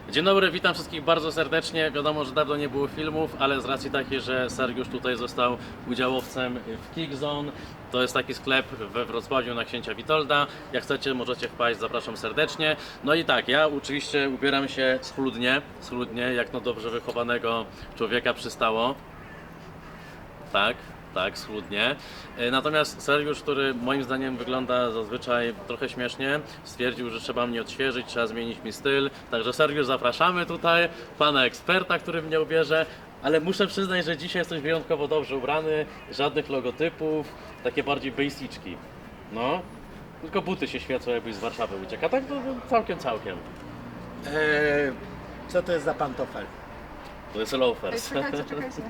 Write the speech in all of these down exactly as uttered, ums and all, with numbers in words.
Dzień dobry, witam wszystkich bardzo serdecznie. Wiadomo, że dawno nie było filmów, ale z racji takiej, że Sergiusz tutaj został udziałowcem w Kickzone, to jest taki sklep we Wrocławiu na Księcia Witolda. Jak chcecie, możecie wpaść, zapraszam serdecznie. No i tak, ja oczywiście ubieram się schludnie, schludnie, jak na dobrze wychowanego człowieka przystało. Tak. Tak, schludnie. Natomiast Sergiusz, który moim zdaniem wygląda zazwyczaj trochę śmiesznie, stwierdził, że trzeba mnie odświeżyć, trzeba zmienić mi styl. Także Sergiusz, zapraszamy tutaj, pana eksperta, który mnie ubierze. Ale muszę przyznać, że dzisiaj jesteś wyjątkowo dobrze ubrany, żadnych logotypów, takie bardziej basicki. No, tylko buty się świecą, jakbyś z Warszawy uciekł, a tak to całkiem, całkiem. Eee, co to jest za pantofel? To jest loafers. Czekajcie, czekajcie.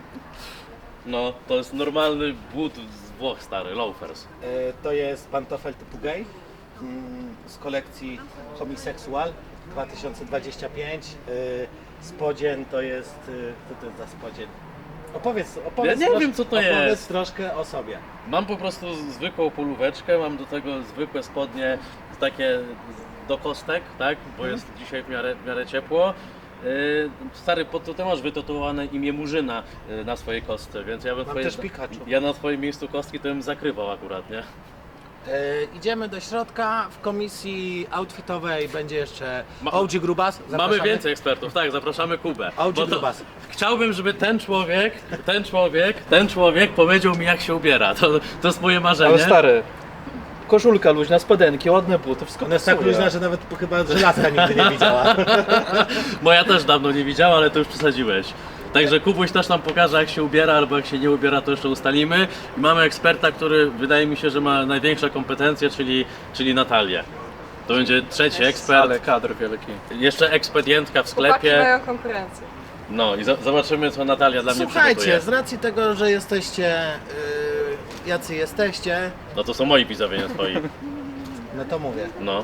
No, to jest normalny but z Włoch, stary, loafers. Eee, to jest pantofel typu gay mm, z kolekcji Homisexual dwa tysiące dwadzieścia pięć. Eee, spodzień to jest... Eee, co to jest za spodzień? Opowiedz, opowiedz, Ja nie trosz, wiem, co to opowiedz jest. troszkę o sobie. Mam po prostu zwykłą polóweczkę, mam do tego zwykłe spodnie takie do kostek, tak? Bo jest dzisiaj w miarę, w miarę ciepło. Yy, stary, pod to ty masz wytatuowane imię Murzyna yy, na swojej kostce, więc ja bym Mam twoje, też Pikachu. ja na twoim miejscu kostki to bym zakrywał akurat, nie? Eee, idziemy do środka. W komisji outfitowej będzie jeszcze Ma- O G Grubas. Mamy Zapraszamy. więcej ekspertów, tak, zapraszamy Kubę. O G Bo to- Grubas. Chciałbym, żeby ten człowiek, ten człowiek, ten człowiek powiedział mi, jak się ubiera. To, to jest moje marzenie. Ale stary, koszulka luźna, spodenki, ładne buty, wszystko Ona jest tak pasuje. luźna, że nawet chyba żelazka nigdy nie widziała. Moja też dawno nie widziała, ale to już przesadziłeś. Także Kubuś też nam pokaże, jak się ubiera, albo jak się nie ubiera, to jeszcze ustalimy. I mamy eksperta, który wydaje mi się, że ma największe kompetencje, czyli, czyli Natalię. To będzie trzeci ekspert. Ale kadr wielki. Jeszcze ekspedientka w Chłopaki sklepie. mają konkurencję. No i za zobaczymy, co Natalia dla mnie Słuchajcie, przygotuje. z racji tego, że jesteście yy, jacy jesteście, No to są moi widzowie, nie twoi. no to mówię. No.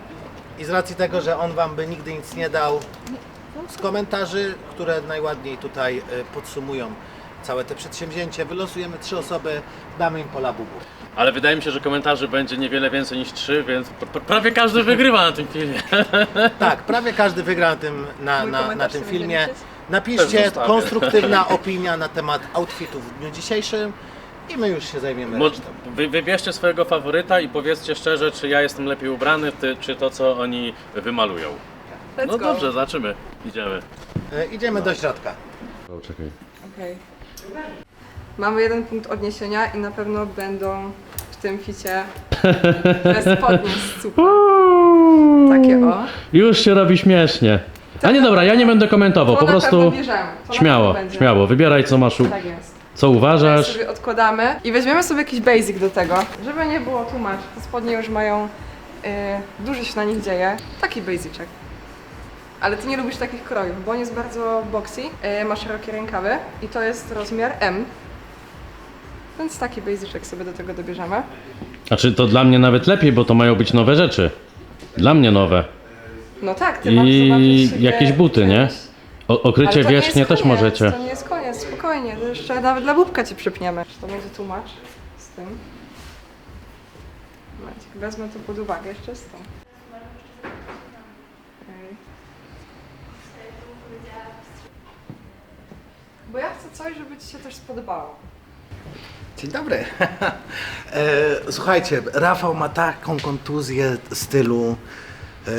I z racji tego, że on wam by nigdy nic nie dał, z komentarzy, które najładniej tutaj y, podsumują całe te przedsięwzięcie, wylosujemy trzy osoby, damy im po labubu. Ale wydaje mi się, że komentarzy będzie niewiele więcej niż trzy, więc pr prawie każdy wygrywa na tym filmie. Tak, prawie każdy wygra na tym, na, Mój na, na komentarz tym sobie filmie. będzie liczyć? Też Napiszcie zostawię. konstruktywna opinia na temat outfitów w dniu dzisiejszym i my już się zajmiemy Mo- resztą. Wy, wybierzcie swojego faworyta i powiedzcie szczerze, czy ja jestem lepiej ubrany, ty, czy to, co oni wymalują. Let's No go. dobrze, zobaczymy. Idziemy. Y, idziemy do środka. O, czekaj. Okej. Mamy jeden punkt odniesienia i na pewno będą w tym ficie te spodnie z cupra. Takie o. Już się robi śmiesznie. A nie dobra, ja nie będę komentował, To po na prostu pewno bierzemy. To na śmiało, pewno będzie. śmiało, wybieraj co masz, u- Tak jest. co Teraz uważasz. sobie odkładamy i weźmiemy sobie jakiś basic do tego, żeby nie było tłumacz. Te spodnie już mają, yy, dużo się na nich dzieje. Taki basicek. Ale ty nie lubisz takich krojów, bo on jest bardzo boxy, yy, ma szerokie rękawy i to jest rozmiar M. Więc taki basicek sobie do tego dobierzemy. Znaczy to dla mnie nawet lepiej, bo to mają być nowe rzeczy. Dla mnie nowe. No tak, ty masz I zobaczyć siebie jakieś buty, nie? czymś. O, Ale okrycie to nie wierzchnie jest też koniec, możecie. To nie jest koniec, spokojnie, to jeszcze nawet dla bubka ci przypniemy. To będzie tłumacz z tym. Momencik, wezmę to pod uwagę jeszcze z tym. Okej. Bo ja chcę coś, żeby ci się też spodobało. Dzień dobry. e, słuchajcie, Rafał ma taką kontuzję stylu e,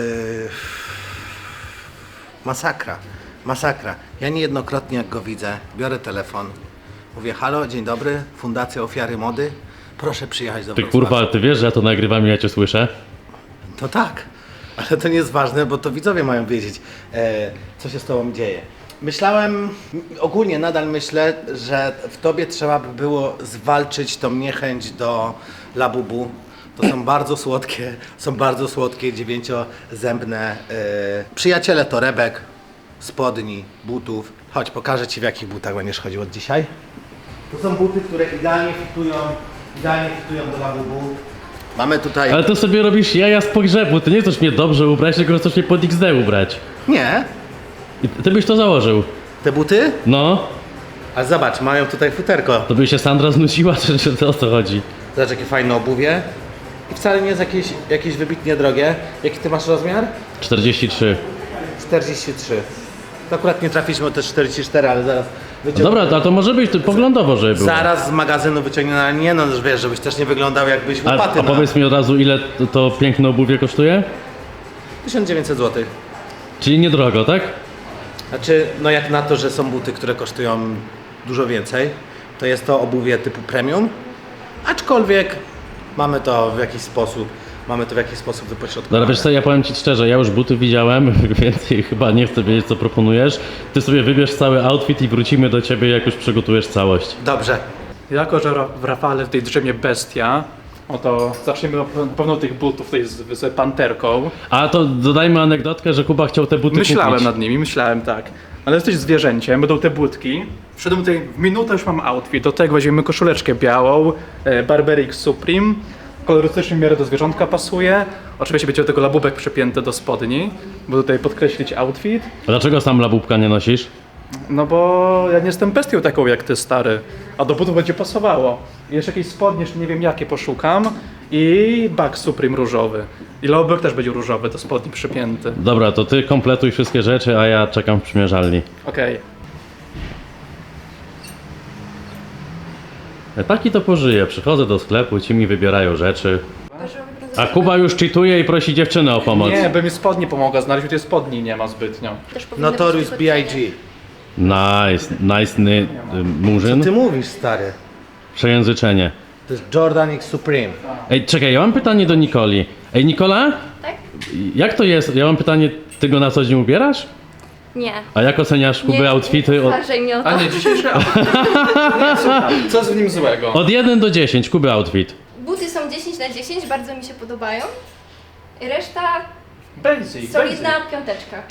masakra, masakra. Ja niejednokrotnie jak go widzę, biorę telefon, mówię halo, dzień dobry, Fundacja Ofiary Mody, proszę przyjechać do Ty Wrocławia. kurwa, ty wiesz, że ja to nagrywam i ja cię słyszę? To tak, ale to nie jest ważne, bo to widzowie mają wiedzieć, e, co się z tobą dzieje. Myślałem, ogólnie nadal myślę, że w tobie trzeba by było zwalczyć tą niechęć do labubu. To są bardzo słodkie, są bardzo słodkie, dziewięciozębne e, przyjaciele torebek, spodni, butów. Chodź, pokażę ci, w jakich butach będziesz chodził od dzisiaj. To są buty, które idealnie fitują, idealnie fitują do labubu. Mamy tutaj... Ale to sobie robisz jaja z pogrzebu, ty nie chcesz mnie dobrze ubrać, tylko chcesz mnie pod X D ubrać. Nie, I ty byś to założył. te buty? No, Ale zobacz, mają tutaj futerko. to by się Sandra znudziła, czy, czy to o co chodzi? Zobacz, jakie fajne obuwie. I wcale nie jest jakieś, jakieś wybitnie drogie. Jaki ty masz rozmiar? czterdzieści trzy. czterdzieści trzy. To akurat nie trafiliśmy o te czterdzieści cztery, ale zaraz No dobra, to, to może być tu poglądowo, żeby było. Zaraz z magazynu wyciągnie, ale nie no, że wiesz, żebyś też nie wyglądał jakbyś A, łopaty a na powiedz mi od razu, ile to, to piękne obuwie kosztuje? tysiąc dziewięćset złotych. Czyli niedrogo, tak? Znaczy, no jak na to, że są buty, które kosztują dużo więcej, to jest to obuwie typu premium, aczkolwiek mamy to w jakiś sposób, mamy to w jakiś sposób Dobra, wypośrodkowane. wiesz co, ja powiem Ci szczerze, ja już buty widziałem, więc chyba nie chcę wiedzieć, co proponujesz. Ty sobie wybierz cały outfit i wrócimy do Ciebie, jak już przygotujesz całość. Dobrze. Jako, że ra- w Rafale tutaj drzemie bestia, oto zaczniemy od na pewno tych butów tutaj z, z panterką. A to dodajmy anegdotkę, że Kuba chciał te buty Myślałem kupić. nad nimi, myślałem tak. Ale jesteś zwierzęciem, będą te butki. Wszedłem tutaj, w minutę już mam outfit. Do tego weźmiemy koszuleczkę białą, e, Burberry X Supreme. Kolorystycznie w miarę do zwierzątka pasuje. Oczywiście będzie do tego labubek przypięty do spodni, bo tutaj podkreślić outfit. A dlaczego sam labubka nie nosisz? No bo ja nie jestem bestią taką jak ty, stary. A do butów będzie pasowało. I jeszcze jakieś spodnie, jeszcze nie wiem jakie poszukam. I bag Supreme różowy. I labubek też będzie różowy, do spodni przypięty. Dobra, to Ty kompletuj wszystkie rzeczy, a ja czekam w przymierzalni. Okej. Taki to pożyje, przychodzę do sklepu, ci mi wybierają rzeczy. A Kuba już cheatuje i prosi dziewczynę o pomoc. Nie, by mi spodnie pomogła znaleźć, bo tej spodni nie ma zbytnio. Też powinny Notorious być B I tylko G. Nice, nice ny, y, Co murzyn. ty mówisz, stary? Przejęzyczenie. To jest Jordan X Supreme. Ej, czekaj, ja mam pytanie do Nikoli. Ej, Nikola? Tak? Jak to jest? Ja mam pytanie, ty go na co dzień ubierasz? Nie. A jak oceniasz Kuby outfity? Nie Od, uważaj mnie o to. A nie, dzisiejszy outfit. Nie, słuchaj, co jest w nim złego? od jeden do dziesięć, Kuby outfit. Buty są dziesięć na dziesięć, bardzo mi się podobają. Reszta Basic, solidna basic. piąteczka.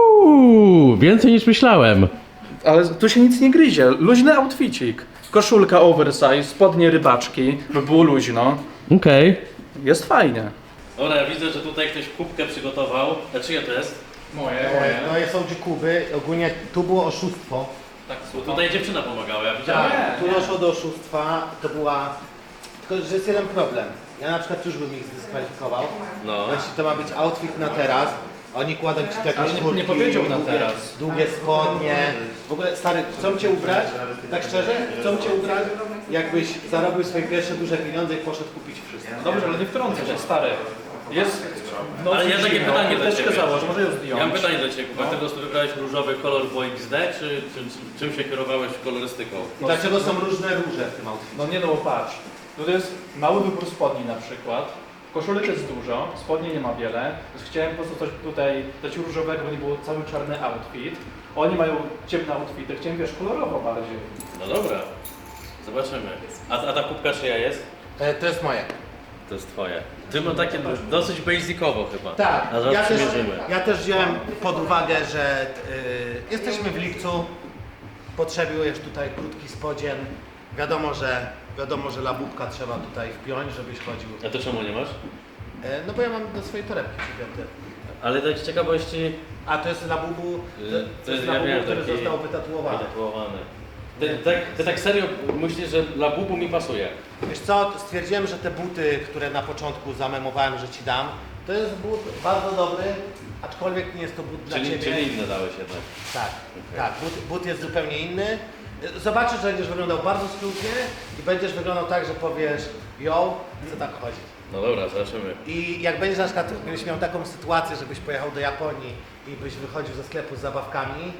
Uuu, więcej niż myślałem. Ale tu się nic nie gryzie. Luźny outficik. Koszulka oversize, spodnie rybaczki, by było luźno. Okej. Jest fajnie. Dobra, ja widzę, że tutaj ktoś kubkę przygotował. A czyja to jest? Moje, No są ci Kuby, ogólnie tu było oszustwo. Tak, Tutaj dziewczyna pomagała, ja widziałem. Tak, tu doszło do oszustwa, to była... Tylko, że jest jeden problem. Ja na przykład już bym ich zdyskwalifikował. No. Jeśli to ma być outfit na teraz, oni kładą ci te Ale jakieś nie- kurtki, nie powiedział na długie, teraz. długie spodnie. W ogóle, stary, chcą cię ubrać? Tak szczerze? Chcą cię ubrać? Jakbyś zarobił swoje pierwsze duże pieniądze i poszedł kupić wszystko. Dobrze, ale nie wtrącę się, stary. Jest... No, Ale ja takie pytanie do Teczkę ciebie. założę, może ją zdjąć. Ja mam pytanie do Ciebie, Kuba. Ty po prostu wybrałeś różowy kolor, bo X D, czy, czy, czy czym się kierowałeś kolorystyką? I dlaczego są różne róże w tym outficie? No nie no, bo patrz. To jest mały wybór spodni na przykład. Koszulek jest dużo, spodni nie ma wiele. Więc chciałem po prostu coś tutaj dać różowego, bo nie było cały czarny outfit. Oni mają ciemne outfity, chciałem wiesz, kolorowo bardziej. No dobra, zobaczymy. A, a ta kubka czyja jest? E, to jest moje. To jest Twoje. Ty ma takie dosyć basicowo chyba. Tak, A zaraz ja też, przymierzymy. ja też wziąłem pod uwagę, że y, jesteśmy w lipcu, potrzebujesz tutaj krótki spodzien. Wiadomo, że wiadomo, że labubka trzeba tutaj wpiąć, żebyś chodził. A to czemu nie masz? E, no bo ja mam do swojej torebki przypięte. Ale tak z ciekawości... A to jest labubu, to, y, to jest ja labubu, wiem, który taki został wytatuowany. wytatuowany. Ty, tak, ty tak serio myślisz, że dla bubu mi pasuje? Wiesz co, stwierdziłem, że te buty, które na początku zamemowałem, że ci dam, to jest but bardzo dobry, aczkolwiek nie jest to but dla Czyli, ciebie. czyli inne dałeś jednak. Tak, tak, but, but jest zupełnie inny. Zobaczysz, że będziesz wyglądał bardzo schludnie i będziesz wyglądał tak, że powiesz, yo, chcę tak chodzić. No dobra, zobaczymy. I jak będziesz na przykład, gdybyś miał taką sytuację, żebyś pojechał do Japonii i byś wychodził ze sklepu z zabawkami.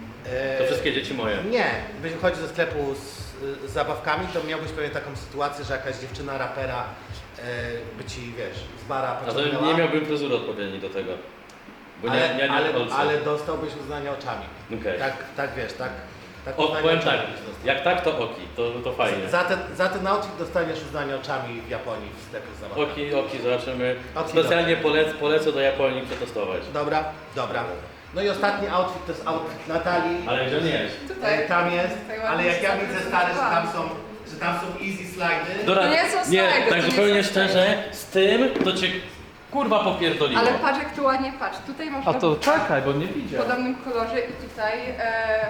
e, To wszystkie dzieci moje. Nie, byś wychodził ze sklepu z, z zabawkami, to miałbyś pewnie taką sytuację, że jakaś dziewczyna rapera e, by ci, wiesz, z bara A to pociągnęła. nie miałbym fryzury odpowiedniej do tego. Bo nie, ale, ja nie ale, kolce. ale dostałbyś uznanie oczami. Okej. Tak, tak wiesz, tak. tak O, uznanie powiem oczami tak, byś dostał. jak tak to oki, to, to fajnie. Za ten, za ten outfit dostaniesz uznanie oczami w Japonii w sklepie z zabawkami. Oki, oki, zobaczymy. Oki, Specjalnie polecę, polecę do Japonii przetestować. Dobra, dobra. No i ostatni outfit to jest outfit Natalii. Ale gdzie nie jest? E, Tam jest, Tutaj ale ładnie jak ja widzę stary, że tam zaprezentowałam. są, że tam są easy slidy. Dobra, To nie są nie, slajdy, to tak nie zupełnie są szczerze, z tym to cię kurwa popierdoliło. Ale patrz jak tu ładnie patrz. Tutaj masz A na to czekaj, bo nie w widział. podobnym kolorze i tutaj e,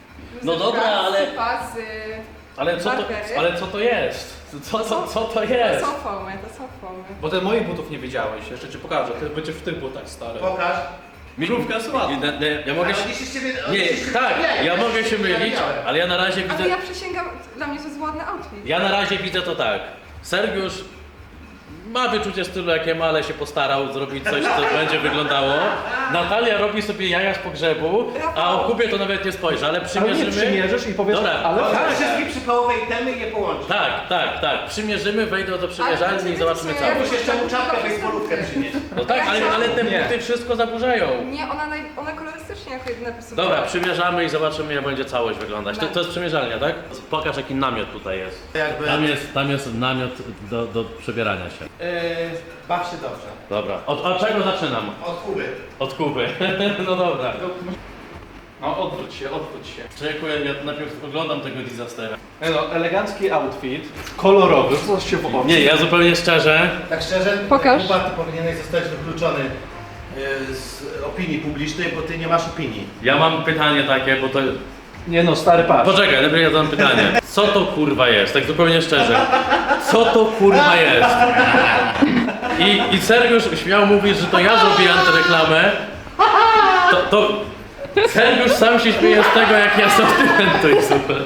No dobra, ale- sypa z... Ale co to, Barbery. ale co to jest? Co, co, co to To jest? są foamy, to są foamy. Bo ty moich butów nie widziałeś, jeszcze ci pokażę, ty będziesz w tych butach, stary. Pokaż. Krówka słaba. Nie, nie, ja mogę się... Ale dziś z ciebie... Nie, dziś- tak, nie, ja mogę się mylić, widziałem. ale ja na razie Ale widzę... ja przysięgam, dla mnie to jest ładny outfit. Ja na razie widzę to tak. Sergiusz ma wyczucie stylu jakie ma, ale się postarał zrobić coś, co będzie wyglądało. Natalia robi sobie jaja z pogrzebu, a o Kubie to nawet nie spojrzy, ale Ale nie przymierzymy... przymierzysz i powiesz, Dobra, ale Ale tak. wszystkie przykołowe itemy i je połączyć. Tak, tak, tak. Przymierzymy, wejdę do przymierzalni Ale i zobaczymy to całość. są- Muszę jeszcze mu czapkę baseballówkę przynieść. No tak, ale, ale te Nie. buty wszystko zaburzają. Nie, ona, naj, ona kolorystycznie jako jedyna pasowała. Dobra, przymierzamy i zobaczymy jak będzie całość wyglądać. To, to jest przymierzalnia, tak? Pokaż jaki namiot tutaj jest. Jakby... Tam jest, tam jest namiot do, do przebierania się. Yy, baw się dobrze. Dobra, od, od czego zaczynam? Od Kuby. Od Kuby. No dobra. No odwróć się, odwróć się. Czekuję, ja najpierw oglądam tego disastera. No, elegancki outfit, kolorowy, coś się w oczy. Nie, ja zupełnie szczerze, Tak szczerze, Pokaż. Kuba, ty powinieneś zostać wykluczony yy, z opinii publicznej, bo ty nie masz opinii. ja mam pytanie takie, bo to... Nie no, stary patrz. Poczekaj, najpierw ja zadam pytanie. Co to kurwa jest? Tak zupełnie szczerze. Co to kurwa jest? I, i Sergiusz śmiał mówić, że to ja zrobię antyreklamę. To, to Sergiusz sam się śmieje z tego, jak ja sortyment to jest super.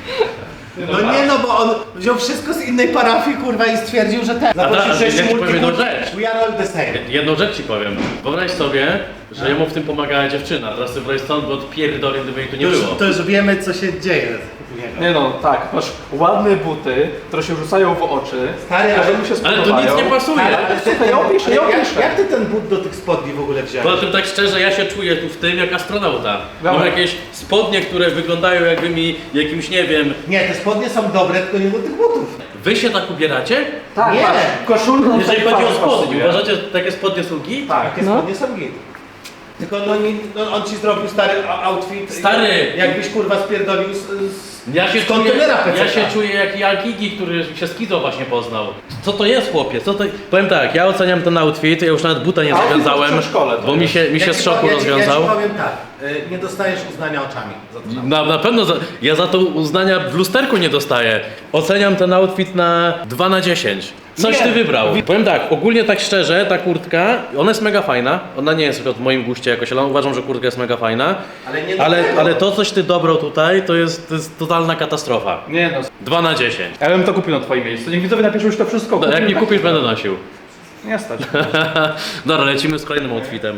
No nie no, bo on wziął wszystko z innej parafii, kurwa, i stwierdził, że ten. tak, Zaprosił sześciu ja ci powiem jedną multikulti- rzecz. We are all the same. Jedną rzecz ci powiem. Wyobraź sobie, że jemu w tym pomagała dziewczyna. Teraz sobie wyobraź stąd, bo odpierdolę, gdyby jej tu nie To już, było. to już wiemy, co się dzieje u niego. Nie no, tak, masz ładne buty, które się rzucają w oczy. Stary, ale- każdemu się Ale spodobają. to nic nie pasuje. Ale, ale ty, Słuchaj, ja opiszę, ja jak, opiszę. jak ty ten but do tych spodni w ogóle wziąłeś? Poza tym tak szczerze, ja się czuję tu w tym jak astronauta. Mam Dobra. jakieś spodnie, które wyglądają jakby mi jakimś, nie wiem... Nie, te spodnie są dobre, tylko nie do tych butów. Wy się tak ubieracie? Tak, Nie. patrz, koszulką Jeżeli tak chodzi o fajnie spodnie, pasuje. uważacie, że takie spodnie są git? Tak. Takie spodnie są git. Tylko no, nie, no, on ci zrobił stary o- outfit. Stary! Jakbyś kurwa spierdolił z, z, Ja się, z czuję, kontenera P C. ja się czuję jak Jalkigi, który się z Kizo właśnie poznał. Co to jest, chłopie? Co to... Powiem tak, ja oceniam ten outfit, ja już nawet buta nie Outfit zawiązałem, w przedszkole to bo mi jest. się, mi się Ja z ci szoku powiem- ja ci- rozwiązał. Ja ci powiem tak, y, nie dostajesz uznania oczami za to. Na, na pewno, za, ja za to uznania w lusterku nie dostaję. Oceniam ten outfit na dwa na dziesięć. Coś Nie. ty wybrał. Powiem tak, ogólnie tak szczerze, ta kurtka, ona jest mega fajna. Ona nie jest w moim guście jakoś, ale uważam, że kurtka jest mega fajna. Ale nie do Ale, tego. ale to, coś ty dobrał tutaj, to jest, to jest totalna katastrofa. Nie no, dwa na dziesięć. ja bym to kupił na twoim miejscu. Niech widzowie napiszą już to wszystko. No, jak nie kupisz, będę nosił. Nie stać. Dobra, lecimy z kolejnym outfitem.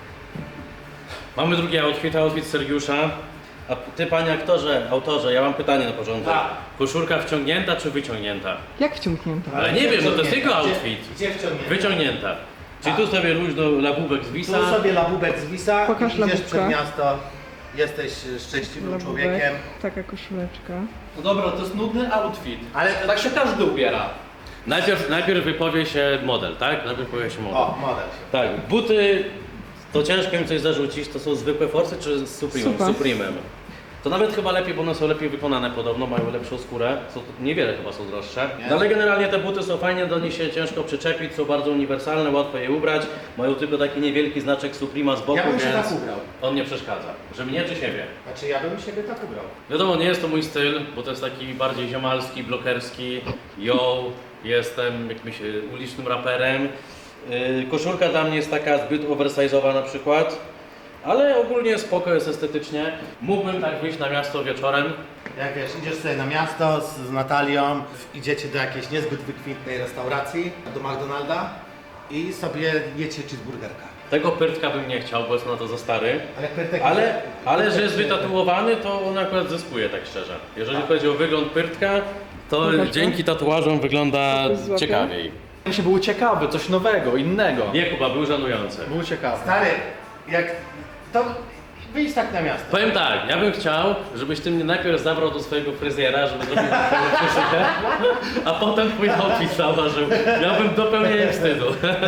Mamy drugi outfit, outfit Sergiusza. A ty, panie aktorze, autorze, ja mam pytanie na początek. Tak. Koszulka wciągnięta czy wyciągnięta? Jak wciągnięta? Ale nie wiem, no to jest jego outfit. Gdzie, gdzie wciągnięty? Wyciągnięta. Czyli tu sobie luźno labubek zwisa. Tu sobie labubek zwisa, Pokaż idziesz labubka. przed miasto, jesteś szczęśliwym człowiekiem. Taka koszuleczka. No dobra, to jest nudny outfit. Ale Tak się każdy ubiera. Najpierw, najpierw wypowie się model, tak? Najpierw powie się model. o, model się. Tak, buty, to ciężko im coś zarzucić, to są zwykłe Force czy z Supremem? Super. Supremem. To nawet chyba lepiej, bo one są lepiej wykonane podobno, mają lepszą skórę, są, niewiele chyba są droższe. Nie? No ale generalnie te buty są fajnie, do nich się ciężko przyczepić, są bardzo uniwersalne, łatwo je ubrać, mają tylko taki niewielki znaczek Suprema z boku, Ja bym się więc tak ubrał. on nie przeszkadza. Że mnie czy siebie? Znaczy ja bym siebie tak ubrał. Wiadomo, nie jest to mój styl, bo to jest taki bardziej ziomalski, blokerski, yo, jestem jakimś y, ulicznym raperem. Yy, koszulka dla mnie jest taka zbyt oversize'owa na przykład, ale ogólnie spoko jest estetycznie. Mógłbym tak wyjść na miasto wieczorem. Jak wiesz, idziesz sobie na miasto z, z Natalią, idziecie do jakiejś niezbyt wykwintnej restauracji, do McDonalda i sobie jecie cheeseburgerka. Tego pyrtka bym nie chciał, bo jest na to za stary. Ale Pyrtek... Ale, ale że jest Pyrtek- wytatuowany, to on akurat zyskuje, tak szczerze. Jeżeli chodzi o wygląd pyrtka, to Pokaż, dzięki tatuażom wygląda Coś złapie? ciekawiej. Się był ciekawy, coś nowego, innego. Nie, Kuba, był żenujący. Był ciekawy. Stary, jak... to wyjdź tak na miasto. Powiem tak, ja bym chciał, żebyś ty mnie najpierw zabrał do swojego fryzjera, żeby zrobił twoją koszulkę, a potem twój outfit zauważył. Miałbym dopełnienie wstydu.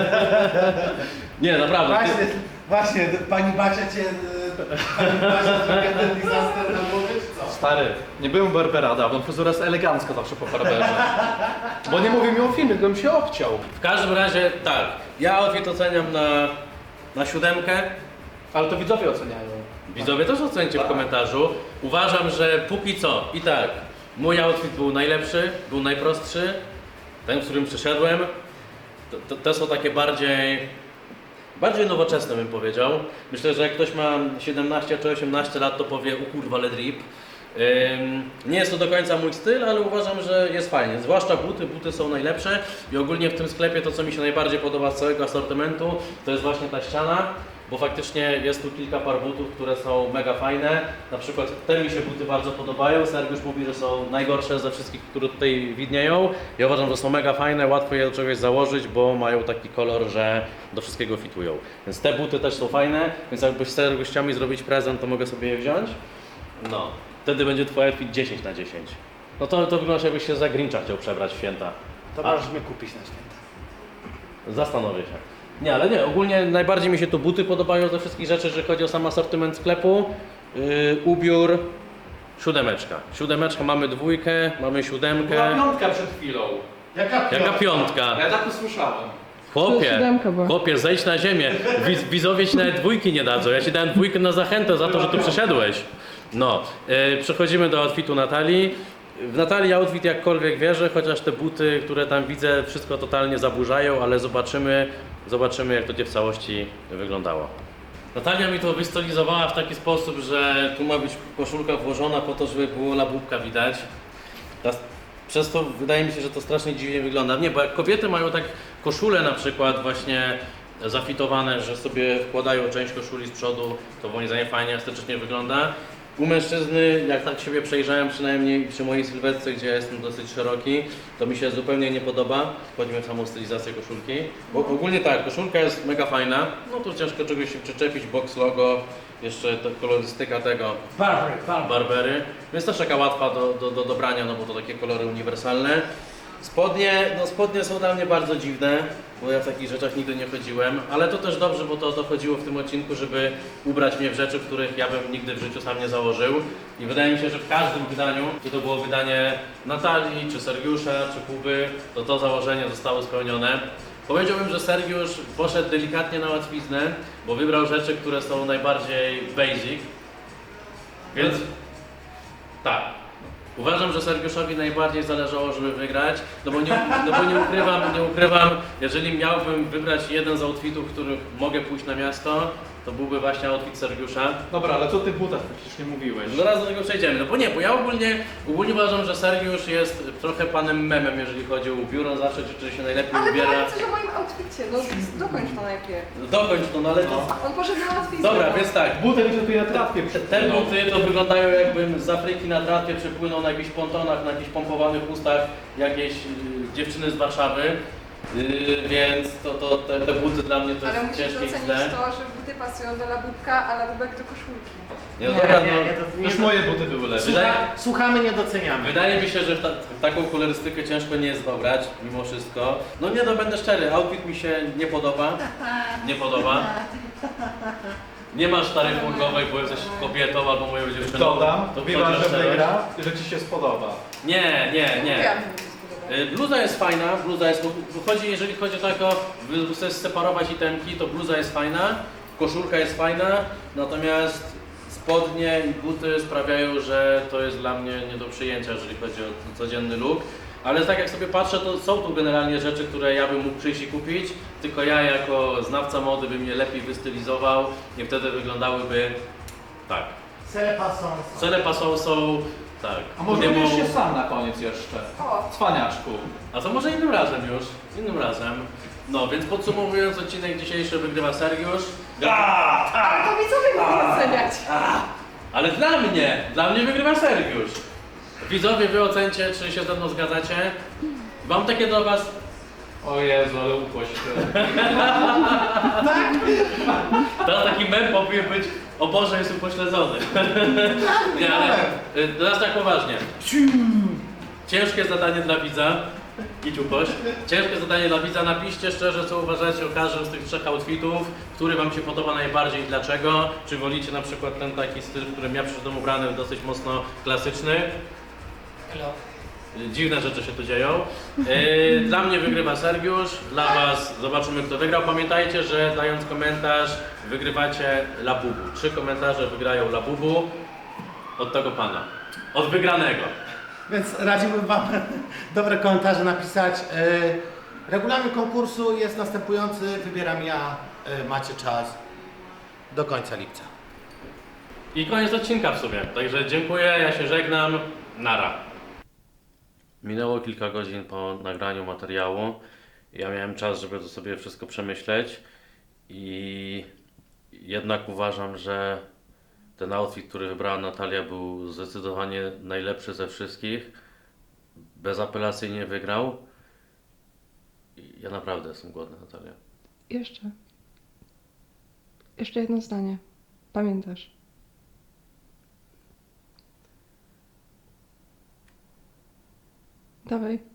Nie, naprawdę. Właśnie, Ty, właśnie, pani Basia cię... Pani Basia zrobiła ten disaster na głowie, czy co? Stary, nie byłem u Barbera dawno, fryzura jest elegancka zawsze po barberze. Bo nie mówię mi o filmie, gdybym się obciął. w każdym razie tak, ja outfit oceniam na, na siódemkę. Ale to widzowie oceniają. Widzowie też ocencie w komentarzu. Uważam, że póki co i tak, mój outfit był najlepszy, był najprostszy, ten, w którym przyszedłem. To, to, te są takie bardziej, bardziej nowoczesne bym powiedział. Myślę, że jak ktoś ma siedemnaście czy osiemnaście lat, to powie, u kurwa, ale drip. Ym, nie jest to do końca mój styl, ale uważam, że jest fajnie. Zwłaszcza buty, buty są najlepsze i ogólnie w tym sklepie to, co mi się najbardziej podoba z całego asortymentu, to jest właśnie ta ściana, bo faktycznie jest tu kilka par butów, które są mega fajne. Na przykład te mi się buty bardzo podobają. Sergiusz mówi, że są najgorsze ze wszystkich, które tutaj widnieją. Ja uważam, że są mega fajne, łatwo je do czegoś założyć, bo mają taki kolor, że do wszystkiego fitują. Więc te buty też są fajne, więc jakbyś Sergiusz chciał mi zrobić prezent, to mogę sobie je wziąć. No, wtedy będzie twój outfit dziesięć na dziesięć. No to, to wygląda, jakbyś się za Grincha chciał przebrać w święta. To A. możesz mnie kupić na święta. Zastanowię się. Nie, ale nie, ogólnie najbardziej mi się tu buty podobają ze wszystkich rzeczy, jeżeli chodzi o sam asortyment sklepu. Yy, ubiór, siódemeczka. Siódemeczka, mamy dwójkę, mamy siódemkę. Była piątka przed chwilą. Jaka Jaka piątka? Ja tak usłyszałem. Chłopie, siódemka była. chłopie, zejdź na ziemię. Wiz, widzowie ci nawet dwójki nie dadzą. Ja ci dałem dwójkę na zachętę za to, że tu przyszedłeś. No, yy, przechodzimy do outfitu Natalii. W Natalii outfit jakkolwiek wierzę, chociaż te buty, które tam widzę, wszystko totalnie zaburzają, ale zobaczymy, zobaczymy jak to gdzie w całości wyglądało. Natalia mi to wystylizowała w taki sposób, że tu ma być koszulka włożona po to, żeby było labubka widać. Teraz przez to wydaje mi się, że to strasznie dziwnie wygląda. Nie, bo jak kobiety mają tak koszule na przykład właśnie zafitowane, że sobie wkładają część koszuli z przodu, to moim zdaniem fajnie estetycznie wygląda. U mężczyzny, jak tak siebie przejrzałem, przynajmniej przy mojej sylwetce, gdzie jestem dosyć szeroki, to mi się zupełnie nie podoba. Wchodzimy w samą stylizację koszulki. Bo ogólnie tak, koszulka jest mega fajna. No tu ciężko czegoś się przyczepić, box logo, jeszcze to kolorystyka tego Barbery, barbery. Barbery, więc też taka łatwa do, do, do dobrania, no bo to takie kolory uniwersalne. Spodnie, no spodnie są dla mnie bardzo dziwne, bo ja w takich rzeczach nigdy nie chodziłem, ale to też dobrze, bo to o to chodziło w tym odcinku, żeby ubrać mnie w rzeczy, których ja bym nigdy w życiu sam nie założył. I wydaje mi się, że w każdym wydaniu, czy to było wydanie Natalii, czy Sergiusza, czy Kuby, to to założenie zostało spełnione. Powiedziałbym, że Sergiusz poszedł delikatnie na łatwiznę, bo wybrał rzeczy, które są najbardziej basic, więc tak. Uważam, że Sergiuszowi najbardziej zależało, żeby wygrać, no bo nie, no bo nie ukrywam, nie ukrywam, jeżeli miałbym wybrać jeden z outfitów, w których mogę pójść na miasto, to byłby właśnie outfit Sergiusza. Dobra, ale co ty butach przecież nie mówiłeś? Zaraz do tego przejdziemy, no bo nie, bo ja ogólnie, ogólnie uważam, że Sergiusz jest trochę panem memem, jeżeli chodzi o ubiór, on zawsze czy się najlepiej Ale ubiera. powiedz coś o moim outficie, no dokończ to najpierw. Dokończ to, no ale to... On poszedł na łatwiznę. Dobra, więc tak, Buty mi się tutaj na tratwie Te, te buty to wyglądają jakbym z Afryki na tratwie przypłynął na jakichś pontonach, na jakichś pompowanych ustach jakiejś y, dziewczyny z Warszawy. Y, więc to, to, te, te buty dla mnie to Ale jest musisz ciężkie i docenić źle. to, że buty pasują do labubka, a labubek do koszulki. Nie, no dobra, no, to Już moje buty były lepsze. Wydaje, Słuchamy, nie doceniamy. wydaje mi się, że w, ta, w taką kolorystykę ciężko nie jest dobrać, mimo wszystko. No nie, no będę szczery, outfit mi się nie podoba. Nie podoba. Nie masz taryfy ulgowej, bo jesteś kobietą albo moją dziewczyną. Dodam, to Biła, chodzi o że szczerość. wygra, że ci się spodoba. Nie, nie, nie. Mówiłam, że mi się spodoba. Y, Bluza jest fajna, bluza jest, bo chodzi, jeżeli chodzi o to, jako, by chcesz separować itemki, to bluza jest fajna, koszulka jest fajna, natomiast spodnie i buty sprawiają, że to jest dla mnie nie do przyjęcia, jeżeli chodzi o codzienny look. Ale tak jak sobie patrzę, to są tu generalnie rzeczy, które ja bym mógł przyjść i kupić, tylko ja jako znawca mody bym je lepiej wystylizował i wtedy wyglądałyby tak. Selepa są. Cele pasą są, tak. A może nie będziesz mą- się sam na koniec jeszcze? O, Cwaniaczku. A to może innym razem już, innym razem. No, więc podsumowując odcinek dzisiejszy wygrywa Sergiusz. ale to widzowie mogą oceniać. Ale dla mnie, dla mnie wygrywa Sergiusz. Widzowie, wy ocencie, czy się ze mną zgadzacie. Mam takie do was... O Jezu, ale upłoś się. Teraz taki mem powinien być, o Boże, jest upośledzony. Nie, ale y, teraz tak poważnie. Ciężkie zadanie dla widza. Idź upoś. Ciężkie zadanie dla widza. Napiszcie szczerze, co uważacie o każdym z tych trzech outfitów, który wam się podoba najbardziej i dlaczego. Czy wolicie na przykład ten taki styl, w którym ja przyszedłem ubrany, dosyć mocno klasyczny. Dziwne rzeczy się tu dzieją. Yy, Dla mnie wygrywa Sergiusz, dla was zobaczymy, kto wygrał. Pamiętajcie, że dając komentarz wygrywacie Labubu. Trzy komentarze wygrają Labubu od tego pana. Od wygranego. Więc radziłbym wam dobre komentarze napisać. Yy, Regulamin konkursu jest następujący. Wybieram ja e, macie czas do końca lipca. I koniec odcinka w sumie. Także dziękuję, ja się żegnam. Nara. Minęło kilka godzin po nagraniu materiału. Ja miałem czas, żeby to sobie wszystko przemyśleć i jednak uważam, że ten outfit, który wybrała Natalia, był zdecydowanie najlepszy ze wszystkich. Bezapelacyjnie wygrał. I ja naprawdę jestem głodny, Natalia. Jeszcze. Jeszcze jedno zdanie. Pamiętasz? Dawaj.